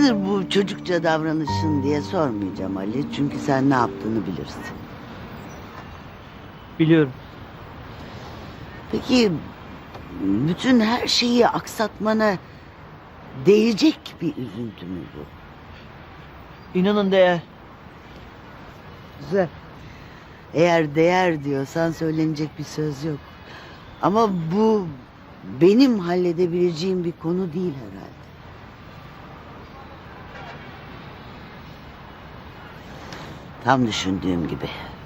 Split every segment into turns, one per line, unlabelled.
Nedir bu çocukça davranışın diye sormayacağım Ali. Çünkü sen ne yaptığını bilirsin.
Biliyorum.
Peki bütün her şeyi aksatmana değecek bir üzüntü mü bu?
İnanın değer.
Güzel. Eğer değer diyorsan söylenecek bir söz yok. Ama bu benim halledebileceğim bir konu değil herhalde. Tam düşündüğüm gibi.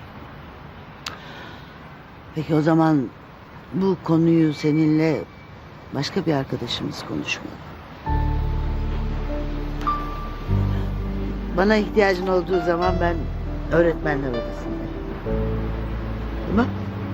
Peki o zaman bu konuyu seninle başka bir arkadaşımız konuşmalı. Bana ihtiyacın olduğu zaman ben öğretmenler odasındayım. Tamam?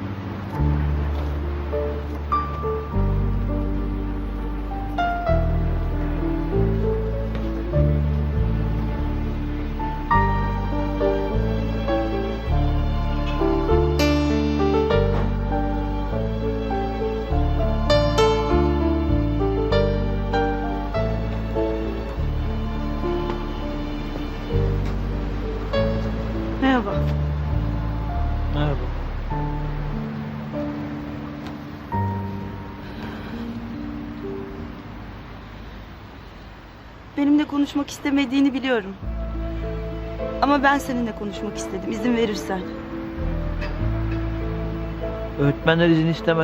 Merhaba.
Merhaba.
Benimle konuşmak istemediğini biliyorum. Ama ben seninle konuşmak istedim, izin verirsen.
Öğretmenler izin istemez.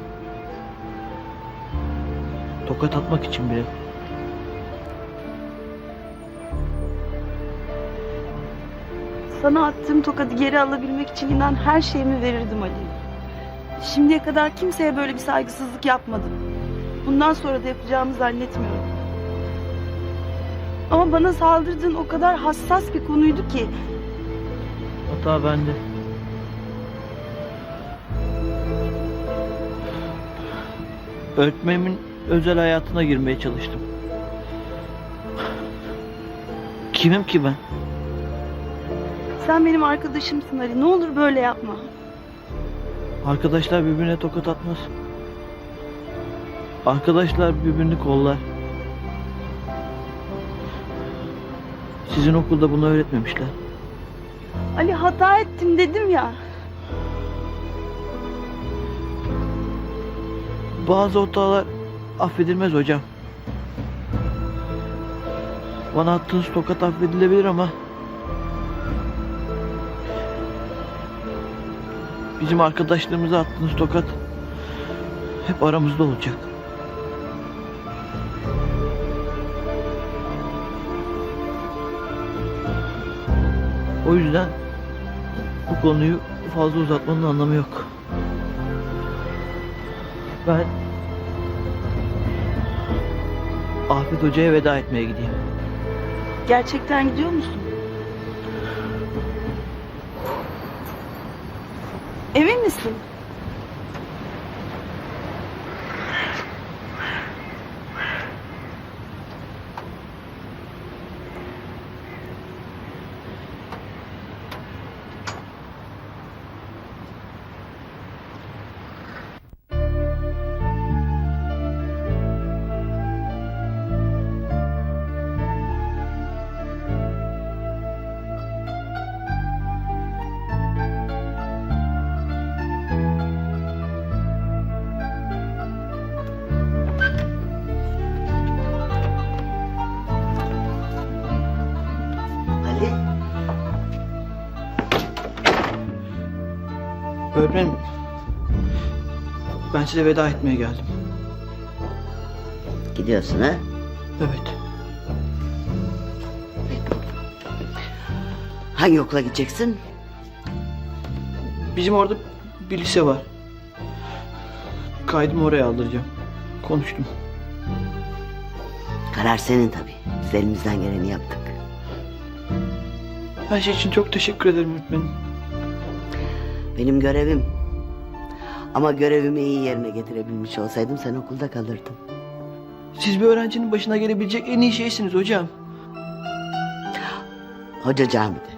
Tokat atmak için bile.
Sana attığım tokadı geri alabilmek için inan her şeyimi verirdim Ali. Şimdiye kadar kimseye böyle bir saygısızlık yapmadım. Bundan sonra da yapacağımı zannetmiyorum. Ama bana saldırdığın o kadar hassas bir konuydu ki.
Hata bende. Öğretmenimin özel hayatına girmeye çalıştım. Kimim ki ben?
Sen benim arkadaşımsın Ali. Ne olur böyle yapma.
Arkadaşlar birbirine tokat atmaz. Arkadaşlar birbirini kollar. Sizin okulda bunu öğretmemişler.
Ali hata ettim dedim ya.
Bazı hatalar affedilmez hocam. Bana attığınız tokat affedilebilir ama bizim arkadaşlarımıza attığınız tokat hep aramızda olacak. O yüzden bu konuyu fazla uzatmanın anlamı yok. Ben Afet Hoca'ya veda etmeye gideyim.
Gerçekten gidiyor musun? Emin misin?
Ali,
Öğretmenim, ben size veda etmeye geldim.
gidiyorsun ha?
Evet.
Hangi okula gideceksin?
Bizim orada bir lise var. Kaydımı oraya aldıracağım. Konuştum.
Karar senin tabii. Biz elimizden geleni yaptık.
Her şey için çok teşekkür ederim öğretmenim.
Benim görevim. Ama görevimi iyi yerine getirebilmiş olsaydım sen okulda kalırdın.
Siz bir öğrencinin başına gelebilecek en iyi şeysiniz hocam.
Hoca camide.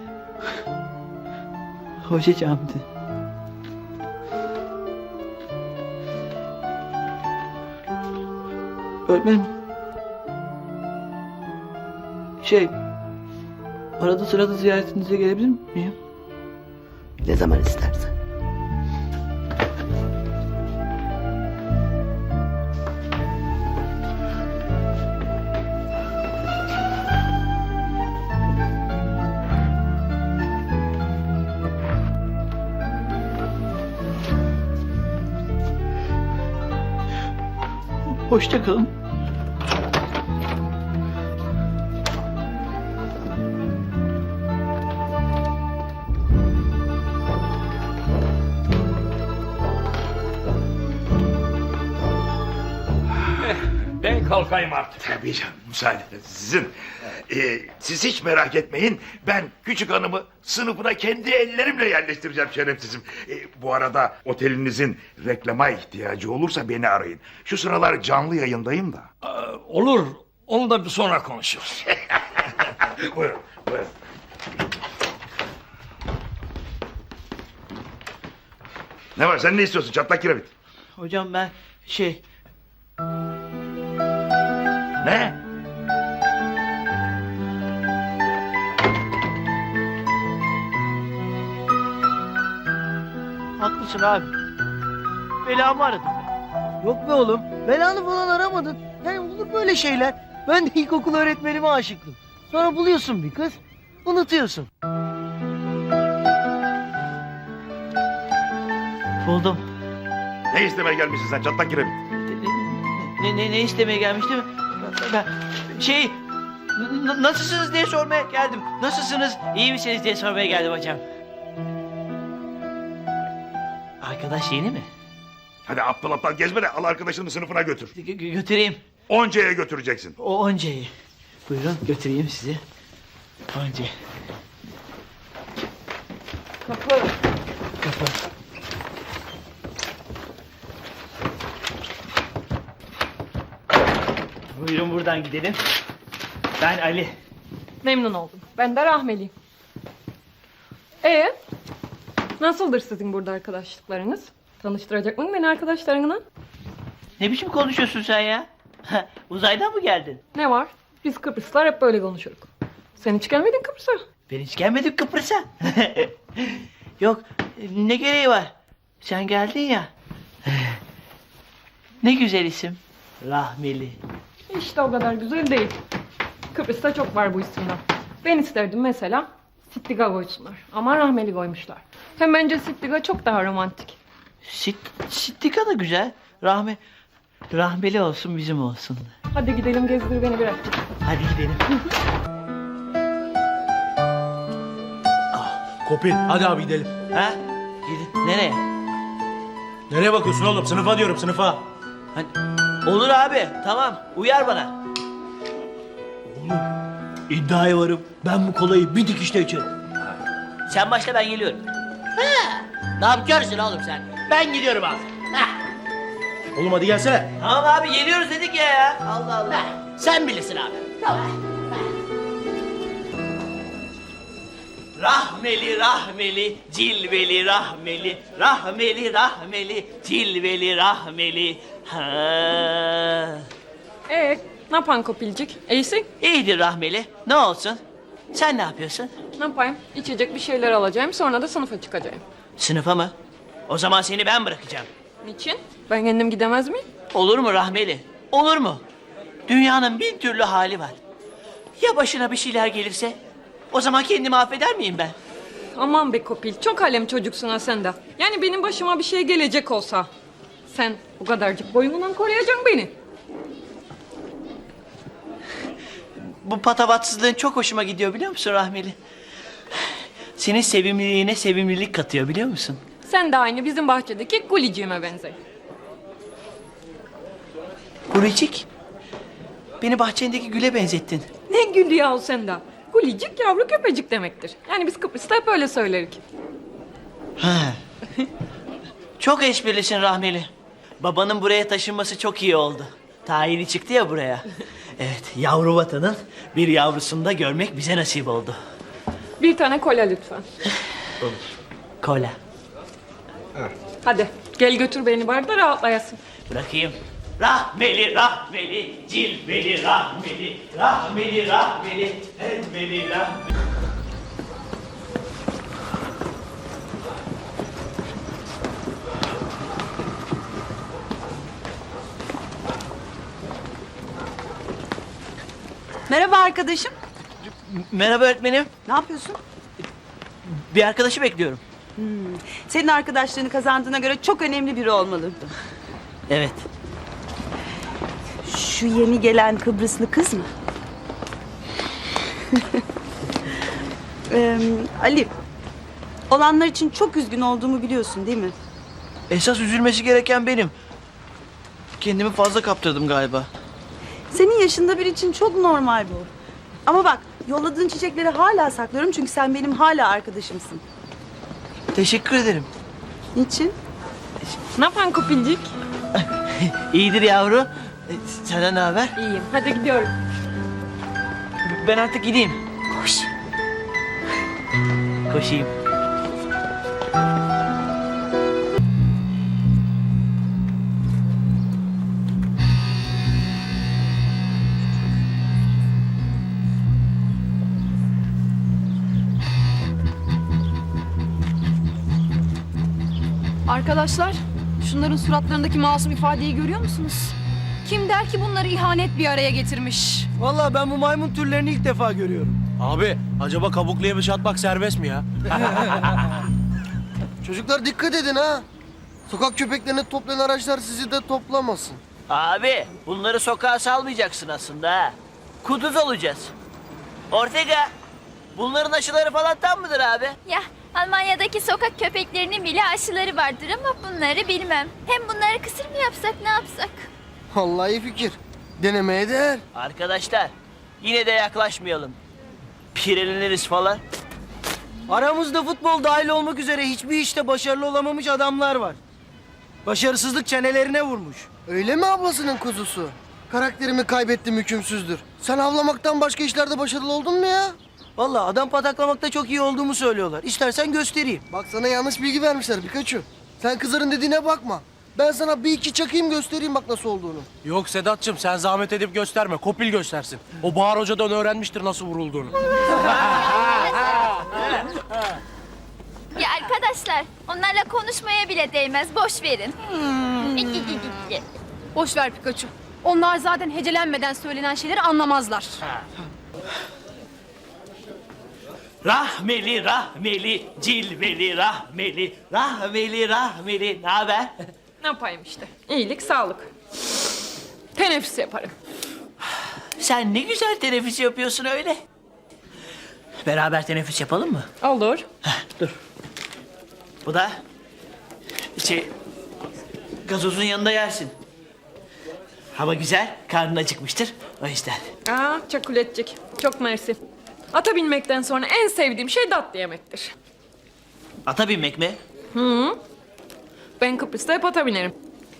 Hoca camide. Öğretmenim. Arada sırada ziyaretinize gelebilir miyim?
Ne zaman istersen.
Hoşça kalın.
Ben kalkayım artık.
Tabii canım, müsaadeniz sizin. Siz hiç merak etmeyin. Ben küçük hanımı sınıfına kendi ellerimle yerleştireceğim şerefsizim. Bu arada otelinizin reklama ihtiyacı olursa beni arayın. Şu sıralar canlı yayındayım da.
Olur. Onu da bir sonra konuşuruz.
Buyurun, buyurun. Ne var, sen ne istiyorsun çatlak kiremit?
Hocam ben
Ne?
haklısın abi. Belamı aradım ben. Yok be oğlum. Belanı falan aramadın. Yani olur böyle şeyler. Ben de ilkokul öğretmenime aşıktım. Sonra buluyorsun bir kız. Unutuyorsun. Buldum.
Ne istemeye gelmişsin sen çatlak kiremit?
Ne istemeye gelmiştim? Ben nasılsınız diye sormaya geldim. Nasılsınız, iyi misiniz diye sormaya geldim hocam. Arkadaş yeni mi?
Hadi aptal aptal gezme de al arkadaşını sınıfına götür.
Götüreyim.
Onca'ya götüreceksin.
O Onca'yı. Buyurun götüreyim sizi. Onca.
Kapı.
Kapı. Buyurun buradan gidelim. Ben Ali.
Memnun oldum. Ben de Rahmeliyim. Nasıldır sizin burada arkadaşlıklarınız? Tanıştıracak mısın beni arkadaşlarına?
Ne biçim konuşuyorsun sen ya? Uzaydan mı geldin?
Ne var? Biz Kıbrıslılar hep böyle konuşuruz. Sen hiç gelmedin Kıbrıs'a.
Ben hiç gelmedim Kıbrıs'a. Yok, ne gereği var? Sen geldin ya. Ne güzel isim. Rahmeli.
İşte o kadar güzel değil. Kıbrıs'ta çok var bu isimler. Ben isterdim mesela Sittiga koysunlar. Ama Rahmeli koymuşlar. Hem bence Sittiga çok daha romantik.
Sittika da güzel. Rahmeli olsun bizim olsun.
Hadi gidelim gezdir beni biraz.
Hadi gidelim.
Kopil, hadi abi gidelim.
Ha? Gidin. Nereye?
Nereye bakıyorsun oğlum? Sınıfa diyorum, sınıfa.
Hani, olur abi. Tamam. Uyar bana.
İddiaya varım. Ben bu kolayı bir dikişte içerim.
Sen başla ben geliyorum.
Ne yapıyorsun oğlum sen? Ben gidiyorum abi.
Oğlum hadi gelsene.
Tamam abi geliyoruz dedik ya. Allah Allah.
Sen bilirsin abi.
Rahmeli rahmeli cilveli rahmeli rahmeli rahmeli cilveli rahmeli. Ha.
Ne yapan Kopilcik? İyisin?
İyidir rahmeli. Ne olsun? Sen ne yapıyorsun?
Ne yapayım? İçecek bir şeyler alacağım sonra da sınıfa çıkacağım.
Sınıfa mı? O zaman seni ben bırakacağım.
Niçin? Ben kendim gidemez miyim?
Olur mu rahmeli? Olur mu? Dünyanın bin türlü hali var. Ya başına bir şeyler gelirse? O zaman kendimi affeder miyim ben?
Aman be Kopil, çok alem çocuksun ha sen de. Yani benim başıma bir şey gelecek olsa... ...sen bu kadarcık boyundan koruyacaksın beni.
Bu patavatsızlığın çok hoşuma gidiyor biliyor musun rahmeli? Senin sevimliliğine sevimlilik katıyor biliyor musun?
Sen de aynı bizim bahçedeki Guliciğime benzer.
Gulicik. Beni bahçendeki güle benzettin.
Ne gülü yahu sen de. Gulicik yavru köpecik demektir. Yani biz Kıbrıs'ta hep öyle söylerik.
Ha. Çok esprilisin rahmeli. Babanın buraya taşınması çok iyi oldu. Tayini çıktı ya buraya. Evet, yavru vatanın bir yavrusunu da görmek bize nasip oldu.
Bir tane kola lütfen.
Kola.
Hadi gel götür beni bari da rahatlayasın.
Bırakayım. Rahmeli, rahmeli, cilveli, rahmeli, rahmeli, rahmeli, elveli, rahmeli.
Merhaba arkadaşım.
Merhaba öğretmenim.
Ne yapıyorsun?
Bir arkadaşı bekliyorum.
Senin arkadaşlığını kazandığına göre çok önemli biri olmalı.
Evet.
Şu yeni gelen Kıbrıslı kız mı? Ali, olanlar için çok üzgün olduğumu biliyorsun değil mi?
Esas üzülmesi gereken benim. Kendimi fazla kaptırdım galiba.
Senin yaşında biri için çok normal bu. Ama bak, yolladığın çiçekleri hala saklıyorum çünkü sen benim hala arkadaşımsın.
Teşekkür ederim.
Niçin?
Ne yapan Kopilcik?
İyidir yavru. Senden ne haber?
İyiyim. Hadi gidiyorum.
Ben artık gideyim.
Koş.
Koşayım.
Arkadaşlar, şunların suratlarındaki masum ifadeyi görüyor musunuz? Kim der ki bunları ihanet bir araya getirmiş?
Vallahi ben bu maymun türlerini ilk defa görüyorum. Abi acaba kabuklu yemiş atmak serbest mi ya?
Çocuklar dikkat edin ha. Sokak köpeklerini toplayan araçlar sizi de toplamasın.
Abi bunları sokağa salmayacaksın aslında ha. Kuduz olacağız. Ortega, bunların aşıları falan tam mıdır abi?
Ya Almanya'daki sokak köpeklerinin bile aşıları vardır ama bunları bilmem. Hem bunları kısır mı yapsak ne yapsak?
Vallahi iyi fikir. Denemeye değer.
Arkadaşlar yine de yaklaşmayalım. Pireleniriz falan.
Aramızda futbol dahil olmak üzere hiçbir işte başarılı olamamış adamlar var. Başarısızlık çenelerine vurmuş.
Öyle mi ablasının kuzusu? Karakterimi kaybettim hükümsüzdür. Sen avlamaktan başka işlerde başarılı oldun mu ya?
Vallahi adam pataklamakta çok iyi olduğumu söylüyorlar. İstersen göstereyim.
Bak sana yanlış bilgi vermişler Pikachu. Sen kızların dediğine bakma. Ben sana bir iki çakayım göstereyim bak nasıl olduğunu.
Yok Sedat'cığım sen zahmet edip gösterme. Kopil göstersin. O Bahar Hoca'dan öğrenmiştir nasıl vurulduğunu.
Ya arkadaşlar onlarla konuşmaya bile değmez. Boş verin.
Boş ver Pikachu. Onlar zaten hecelenmeden söylenen şeyleri anlamazlar.
Rahmeli, rahmeli, cilveli, rahmeli, rahmeli, rahmeli. Ne haber?
Ne yapayım işte? İyilik, sağlık. Teneffüs yaparım.
Sen ne güzel teneffüs yapıyorsun öyle. Beraber teneffüs yapalım mı?
Olur.
Dur. Bu da gazozun yanında yersin. Hava güzel, karnın acıkmıştır. O yüzden.
Aa, çakuletcik. Çok mersi. Ata binmekten sonra en sevdiğim şey tatlı yemektir.
Ata binmek mi?
Ben Kıbrıs'ta hep ata binerim.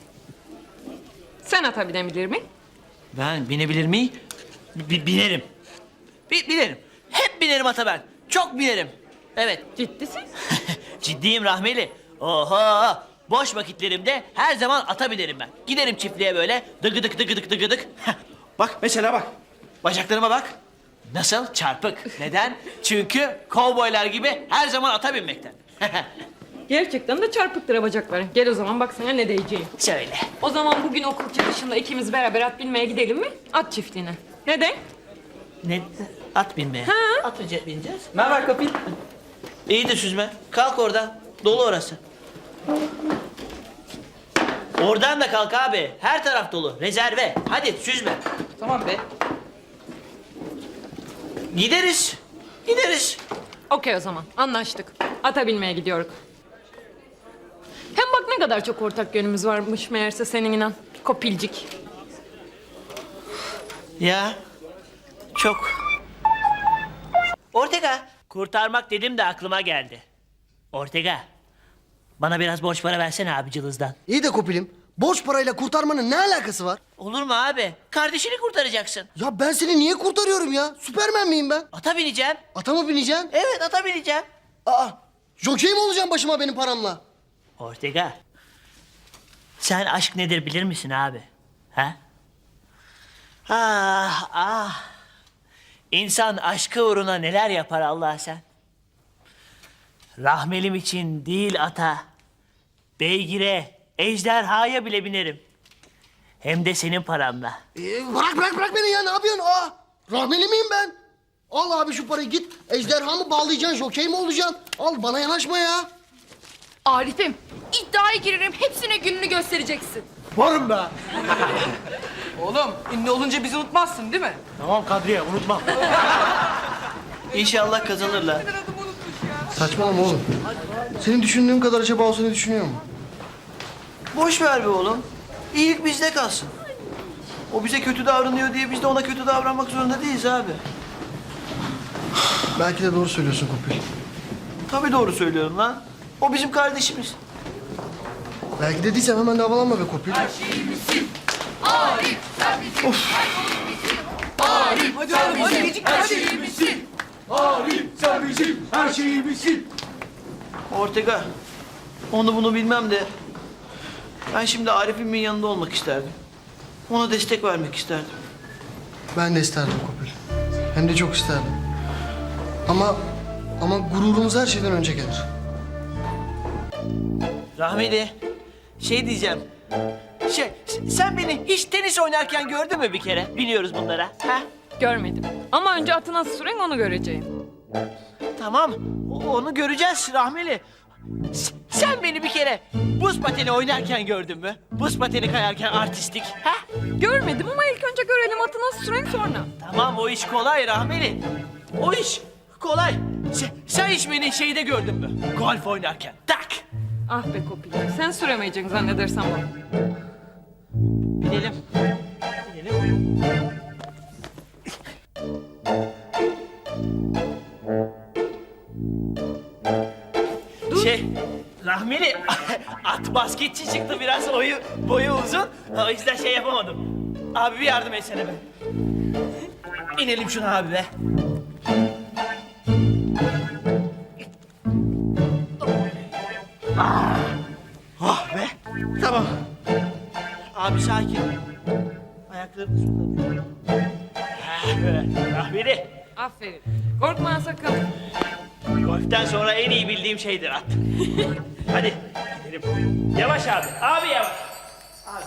Sen ata binebilir mi?
Ben binebilir miyim? Binerim. Binerim. Hep binerim ata ben. Çok binerim. Evet.
Ciddisin?
Ciddiyim Rahmeli. Oho! Boş vakitlerimde her zaman ata binerim ben. Giderim çiftliğe böyle dıgıdık dıgıdık dıgıdık. Bak mesela bak. Bacaklarıma bak. Nasıl? Çarpık. Neden? Çünkü kovboylar gibi her zaman ata binmekten.
Gerçekten de çarpıktır ha bacakları. Gel o zaman bak sana ne diyeceğim.
Söyle.
O zaman bugün okul çıkışında ikimiz beraber at binmeye gidelim mi? At çiftliğine. Neden?
Ne? At binmeye. At bineceğiz. Ne haber Kapil? İyidir süzme. Kalk oradan. Dolu orası. Oradan da kalk abi. Her taraf dolu. Rezerve. Hadi süzme. Tamam be. Gideriz. Gideriz.
Okey o zaman. Anlaştık. Ata binmeye gidiyoruz. Hem bak ne kadar çok ortak yönümüz varmış meğerse senin inan. Kopilcik.
Ya. Çok. Ortega. Kurtarmak dedim de aklıma geldi. Ortega. Bana biraz borç para versene abi cılızdan.
İyi de Kopilim. Borç parayla kurtarmanın ne alakası var?
Olur mu abi? Kardeşini kurtaracaksın.
Ya ben seni niye kurtarıyorum ya? Süpermen miyim ben?
Ata bineceğim.
Ata mı bineceksin?
Evet ata bineceğim.
Aa, jokey mi olacaksın başıma benim paramla?
Ortega. Sen aşk nedir bilir misin abi? Ha? Ah ah. İnsan aşkı uğruna neler yapar Allah sen. Rahmelim için değil ata, beygire, ejderhaya bile binerim. Hem de senin paramla.
Bırak beni ya, ne yapıyorsun? Rahmeli miyim ben? Al abi şu parayı, git ejderhamı bağlayacaksın, jokey mi olacaksın? Al, bana yanaşma ya.
Arif'im, iddiaya girerim, hepsine gününü göstereceksin.
Varım be.
Oğlum ünlü olunca bizi unutmazsın değil mi?
Tamam Kadriye, unutma.
İnşallah kazanırlar.
Saçmalama oğlum. Senin düşündüğün kadar acaba o seni düşünüyor mu?
Boş ver be oğlum. İyilik bizde kalsın. O bize kötü davranıyor diye biz de ona kötü davranmak zorunda değiliz abi.
Belki de doğru söylüyorsun Kopil.
Tabii doğru söylüyorum lan. O bizim kardeşimiz.
Belki de değilsem hemen de havalanma be Kopil.
Ortega, onu bunu bilmem de ben şimdi Arif'imin yanında olmak isterdim. Ona destek vermek isterdim.
Ben de isterdim Kopil. Hem de çok isterdim. Ama gururumuz her şeyden önce gelir.
Rahmeli, şey diyeceğim. Sen beni hiç tenis oynarken gördün mü bir kere? Biliyoruz bunlara. Ha?
Görmedim. Ama önce atı nasıl süren onu göreceğim.
Tamam, onu göreceğiz Rahmeli. Sen beni bir kere buz pateni oynarken gördün mü? Buz pateni kayarken artistik. Ha?
Görmedim ama ilk önce görelim atı nasıl süren sonra.
Tamam, o iş kolay Rahmeli. O iş kolay. Sen hiç beni şeyde gördün mü? Golf oynarken. Tak!
Ah be Kopil, sen süremeyeceksin zannedersem onu.
Binelim. Binelim. Rahmeli, at basketçi çıktı biraz boyu uzun. O yüzden şey yapamadım. Abi bir yardım etsene be. İnelim şuna abi be. Ah be. Tamam. Abi sakin. Ayaklarını suda. Böyle. Rahmeli.
Aferin. Korkma sakın.
Golften sonra en iyi bildiğim şeydir at. Hadi gidelim. Yavaş abi. Abi yavaş. Abi,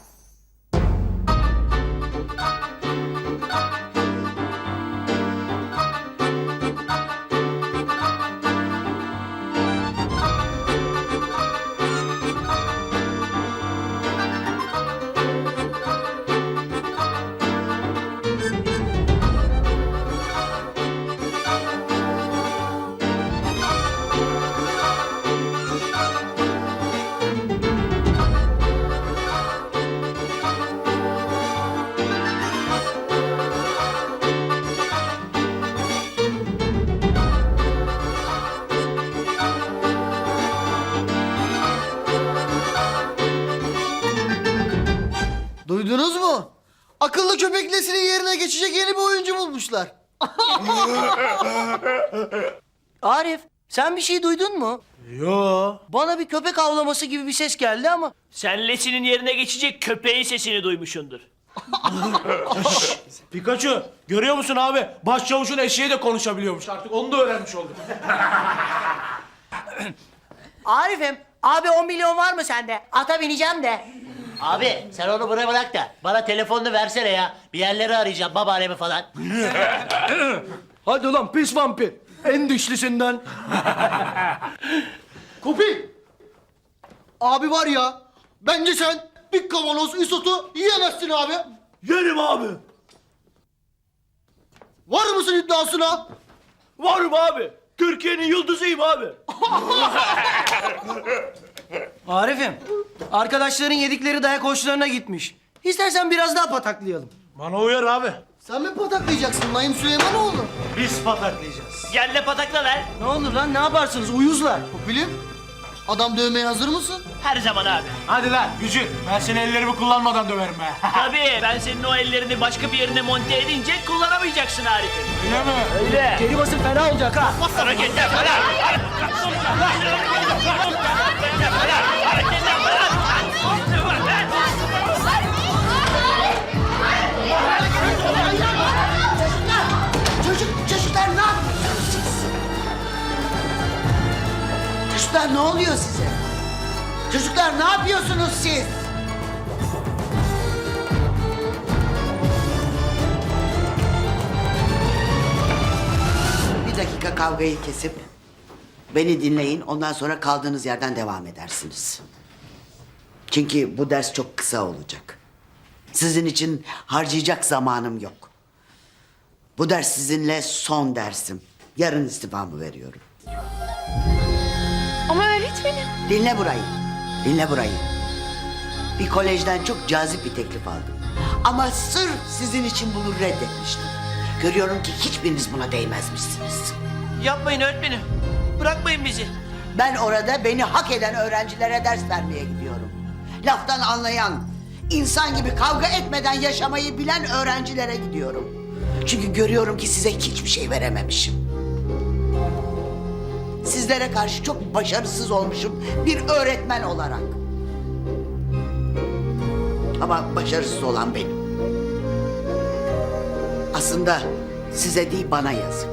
Duydunuz mu? Akıllı köpek neslinin yerine geçecek yeni bir oyuncu bulmuşlar.
Arif, sen bir şey duydun mu?
Yo.
Bana bir köpek avlaması gibi bir ses geldi ama.
Sen Lesi'nin yerine geçecek köpeğin sesini duymuşsundur.
Pikachu, görüyor musun abi? Başçavuşun eşeği de konuşabiliyormuş. Artık onu da öğrenmiş olduk.
Arif'im abi 10 milyon var mı sende? Ata bineceğim de. Abi sen onu bırak da bana telefonunu versene ya. Bir yerleri arayacağım babaannemi falan.
Hadi ulan pis vampir. En dişlisinden.
Kopil! Abi var ya, bence sen bir kavanoz isotu yiyemezsin abi.
Yerim abi.
Var mısın iddiasına?
Varım abi. Türkiye'nin yıldızıyım abi.
Arif'im, arkadaşların yedikleri dayak hoşlarına gitmiş. İstersen biraz daha pataklayalım.
Bana uyar abi.
Sen mi pataklayacaksın Naim Süleymanoğlu?
Biz pataklayacağız.
Gel de patakla ver.
Ne olur lan, ne yaparsınız? Uyuzlar.
Kopil'im, adam dövmeye hazır mısın?
Her zaman abi.
Hadi lan Gücü. Ben seni ellerimi kullanmadan döverim be.
Tabii ben senin o ellerini başka bir yerine monte edince kullanamayacaksın Arif'im.
Öyle mi?
Öyle.
Geri basın fena olacak ha.
Hareketler falan. Hareketler falan.
Çocuklar ne oluyor size? Çocuklar ne yapıyorsunuz siz? Bir dakika kavgayı kesip beni dinleyin. Ondan sonra kaldığınız yerden devam edersiniz. Çünkü bu ders çok kısa olacak. Sizin için harcayacak zamanım yok. Bu ders sizinle son dersim. Yarın istifamı veriyorum.
Ama öğretmenim.
Dinle burayı. Dinle burayı. Bir kolejden çok cazip bir teklif aldım. Ama sırf sizin için bunu reddetmiştim. Görüyorum ki hiçbiriniz buna değmezmişsiniz.
Yapmayın öğretmenim. Bırakmayın bizi.
Ben orada beni hak eden öğrencilere ders vermeye gidiyorum. Laftan anlayan, insan gibi kavga etmeden yaşamayı bilen öğrencilere gidiyorum. Çünkü görüyorum ki size hiçbir şey verememişim. Sizlere karşı çok başarısız olmuşum bir öğretmen olarak. Ama başarısız olan benim. Aslında size değil bana yazık.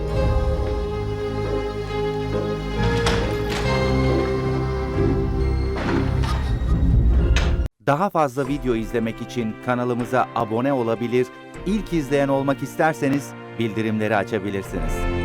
Daha fazla video izlemek için kanalımıza abone olabilir, ilk izleyen olmak isterseniz bildirimleri açabilirsiniz.